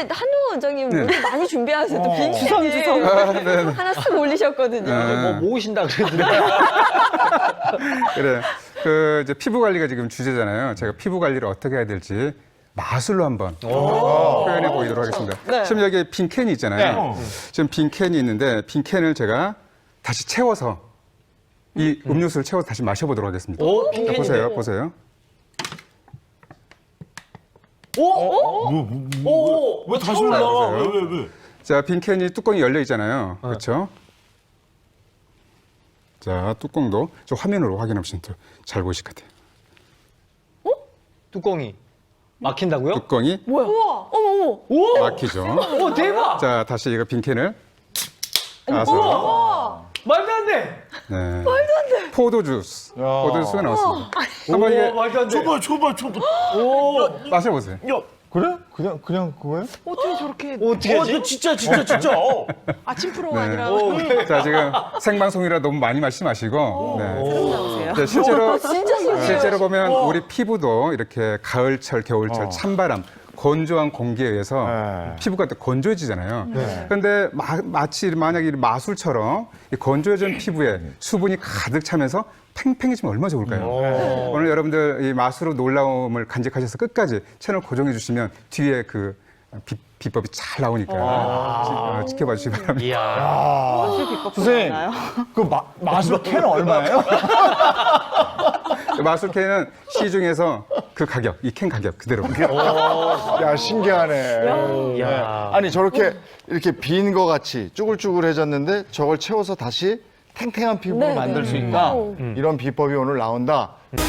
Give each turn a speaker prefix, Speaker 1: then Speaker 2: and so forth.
Speaker 1: 한우 원장님
Speaker 2: 네.
Speaker 1: 요리 많이 준비하세요. 또 빈캔을 하나 쓱 올리셨거든요.
Speaker 2: 네.
Speaker 3: 뭐 모으신다 그러더라고요.
Speaker 2: 그래. 그 이제 피부 관리가 지금 주제잖아요. 제가 피부 관리를 어떻게 해야 될지 마술로 한번 표현해 보이도록 하겠습니다.
Speaker 1: 네.
Speaker 2: 지금 여기 빈 캔이 있잖아요. 지금 빈 캔이 있는데 빈 캔을 제가 다시 채워서 이 음료수를 채워서 다시 마셔보도록 하겠습니다.
Speaker 3: 오,
Speaker 2: 자, 보세요, 보세요.
Speaker 4: 왜 다시 올라와? 왜?
Speaker 2: 자, 빈 캔이 뚜껑이 열려 있잖아요. 그렇죠? 자, 뚜껑도 저 화면으로 확인하시면 더 잘 보이실 것 같아요.
Speaker 3: 뚜껑이 막힌다고요?
Speaker 2: 뚜껑이
Speaker 1: 뭐야? 우와, 어머, 어머.
Speaker 2: 막히죠.
Speaker 3: 오, 대박!
Speaker 2: 자, 다시 이거 빈 캔을 까서
Speaker 3: 말도 안 돼!
Speaker 2: 네. 말도 안 돼. 포도 주스가 나왔습니다. 한번 이게
Speaker 3: 말도 안 돼!
Speaker 4: 줘봐.
Speaker 2: 마셔보세요.
Speaker 4: 야,
Speaker 5: 그래? 그냥 그거예요?
Speaker 1: 어떻게 저렇게
Speaker 3: 어떻게 하지?
Speaker 4: 너 진짜.
Speaker 1: 아침 프로가
Speaker 2: 네.
Speaker 1: 아니라
Speaker 2: 자, 지금 생방송이라 너무 많이 마시지 마시고. 네.
Speaker 1: 나오세요?
Speaker 2: 네, 실제로
Speaker 1: 진짜 신기해요.
Speaker 2: 실제로 보면 우리 피부도 이렇게 가을철, 겨울철 찬바람, 건조한 공기에 의해서
Speaker 5: 네.
Speaker 2: 피부가 또 건조해지잖아요. 그런데 마치 만약에 이 마술처럼 이 건조해진 피부에 수분이 가득 차면서 팽팽해지면 얼마나 좋을까요? 오늘 여러분들 이 마술의 놀라움을 간직하셔서 끝까지 채널 고정해 주시면 뒤에 그 비법이 잘 나오니까 지켜봐 주시기 바랍니다.
Speaker 3: 이야.
Speaker 5: 선생님, 그 마술 캔은 얼마예요?
Speaker 2: 마술캔은 시중에서 그 가격, 이 캔 가격 그대로.
Speaker 5: 야, 신기하네.
Speaker 3: 야.
Speaker 5: 아니, 저렇게 이렇게 빈 거 같이 쭈글쭈글해졌는데 저걸 채워서 다시 탱탱한 피부를
Speaker 1: 네,
Speaker 5: 만들
Speaker 1: 네.
Speaker 5: 수 있다. 이런 비법이 오늘 나온다.